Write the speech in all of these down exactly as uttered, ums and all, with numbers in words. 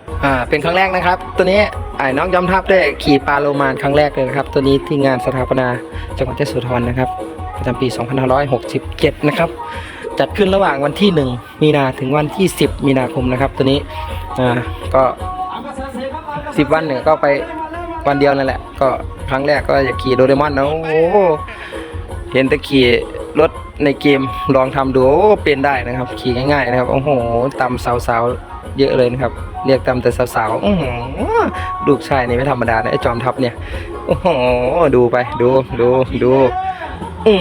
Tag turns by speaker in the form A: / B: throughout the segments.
A: อ่าเป็นครั้งแรกนะครับตัวนี้ไอ้น้องจอมทัพได้ขี่ปลาโลมานครั้งแรกเลยนะครับตัวนี้ที่งานสถาปนาจังหวัดยโสธรนะครับประจำปีสองพันห้าร้อยหกสิบเจ็ดนะครับจัดขึ้นระหว่างวันที่หนึ่งมีนาถึงวันที่สิบมีนาคมนะครับตัวนี้อ่าก็สิบวันเนี่ยก็ไปวันเดียวนั่นแหละก็ครั้งแรกก็อยากขี่โดเรมอนนะโอ้เห็นแต่ขี่รถในเกมลองทำดูเป็นได้นะครับขี่ง่ายๆนะครับโอ้โหตำสาวๆเยอะเลยนะครับเรียกตำแต่สาวๆโอ้โหลูกชายนี่ไม่ธรรมดานะไอ้จอมทัพเนี่ยโอ้โหดูไปดูดูดูอื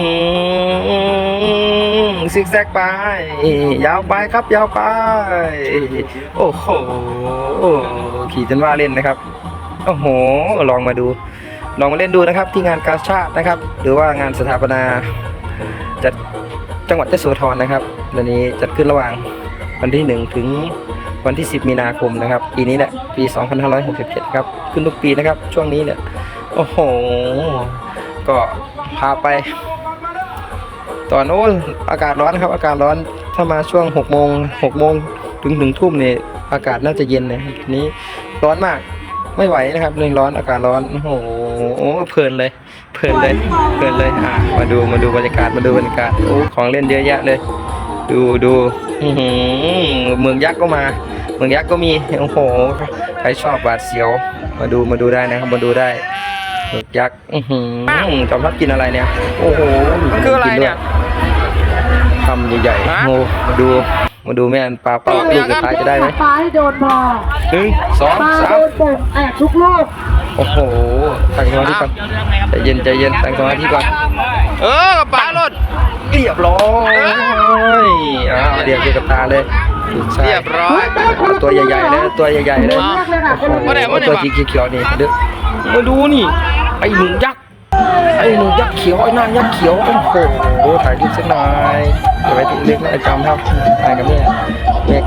A: มซิกแซกไปยาวไปครับยาวไปโอ้โหขี่จนว่าเล่นนะครับโอ้โหลองมาดูลองมาเล่นดูนะครับที่งานกาชาดนะครับหรือว่างานสถาปนาจัดจังหวัดยโสธรนะครับวันนี้จัดขึ้นระหว่างวันที่หนึ่งถึงวันที่สิบมีนาคมนะครับปีนี้แหละปีสองพันห้าร้อยหกสิบเจ็ดครับขึ้นทุกปีนะครับช่วงนี้เนี่ยโอ้โหก็พาไปตอนโน้นอากาศร้อนครับอากาศร้อนถ้ามาช่วงหกโมงหกโมงถึงถึงทุ่มเนี่ยอากาศน่าจะเย็นนะทีนี้ร้อนมากไม่ไหวนะครับเรื่องร้อนอากาศร้อนโอ้โหเพลินเลยเพลินเลยเพลินเลยอ่ะมาดูมาดูบรรยากาศมาดูบรรยากาศโอ้ของเล่นเยอะแยะเลยดูดูเมืองยักษ์ก็มาเมืองยักษ์ก็มีโอ้โหใครชอบบาดเสียวมาดูมาดูได้นะครับมาดูได้เมืองยักษ์จอมทัพกินอะไรเนี่ยโอ้โหมันคืออะไรเนี่ยคำใหญ่ๆโอ้มาดูมาดูแม่ปลาเป้าลูกจะตายจะได้ไหม
B: ปลาให้โดนพอ
A: หนึ่งสองสาม
B: แอบทุกลูก
A: โอ้โหตั้งสมาธิก่อนใจเย็นใจเย็นตั้งสมาธิก่อน
C: เออปลาหลุด
A: เรียบร้อยอ่าเรียบเรียบกับตาเลย
C: เรียบร้อย
A: ตัวใหญ่ๆเลยตัวใหญ่ๆเลยโอ้โหตัวสีเขียวๆนี่เด็กมาดูนี่ไอ้หนูยักษ์ไอ้หนูยักษ์เขียวไอ้นางยักษ์เขียวโอ้โหถ่ายรูปสักหน่อยอย่าไปถึงเล็กนะไอ้จอมทัพถ่ายกับแม่แม่แก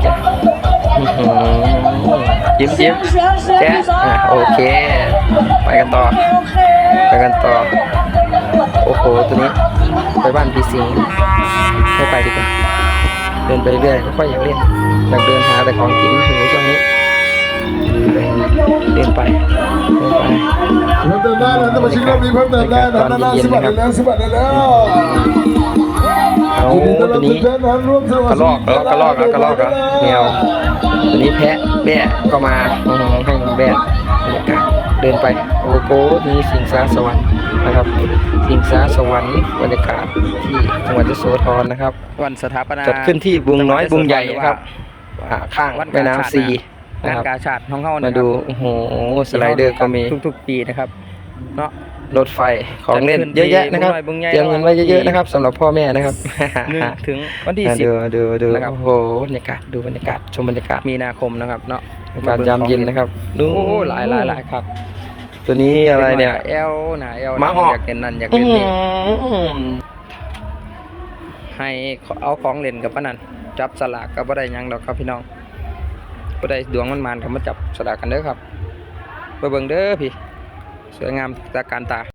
A: ยิ้มยิ้มแจ๊โอเคไปกันต่อไปกันต่อโอ้โหตัวนี้ไปบ้านพี่สิงห์ไม่ไปดีกว่าเดินไปเรื่อยค่อยๆอยากเล่นอยากเดินหาแต่ของกินถึงช่วงนี้เดินไปเดินไป
D: เดินได้แล้วมาชิมรอบนี้เพิ่มเติมได้นะนานาสิบบาทแล้วสิบบาทแล้ว
A: เอาตัวนี้กระลอกแล้วกระลอกแล้วกระลอกแล้วแมวตัวนี้แพะแบะก็มาให้แบะบรรยากาศเดินไปโอ้โหนี่สิงสาสวรรค์นะครับสิงสาสวรรค์บรรยากาศที่จังหวัดยโสธรนะครับ
C: วันสถาปนา
A: จัดขึ้นที่บุงน้อยบุงใหญ่ครับข้างแม่น้ำซี
C: งานกาชาดของเขา
A: มาดูโอ้โหสไลเดอร์ก็มี
C: ทุกๆปีนะครับเนาะ
A: รถไฟของเล่นเยอะแยะนะครับเตรียมเงินไว้เยอะๆนะครับสำหรับพ่อแม่นะครับ
C: ถึงวันที่สิบ
A: ดูดูดูโอ้โหบรรยากาศดูบรรยากาศชมบรรยากาศ
C: มีนาคมนะครับเนาะ
A: การยามเย็นนะครับ
C: ดูหลายหลายหลายครับ
A: ตัวนี้อะไรเนี่ย
C: เอลหนาเอล
A: มาหอก
C: อยากเล่นนั่นอยากเล่นนี่ให้เอาของเล่นกับป้านันจับสลากกับบ่ได้ยังดอกครับพี่น้องบ่ได้ดวงมันมานกับมาจับสลากกันเด้อครับไปเบิ่งเด้อพี่สวยงามตาการตา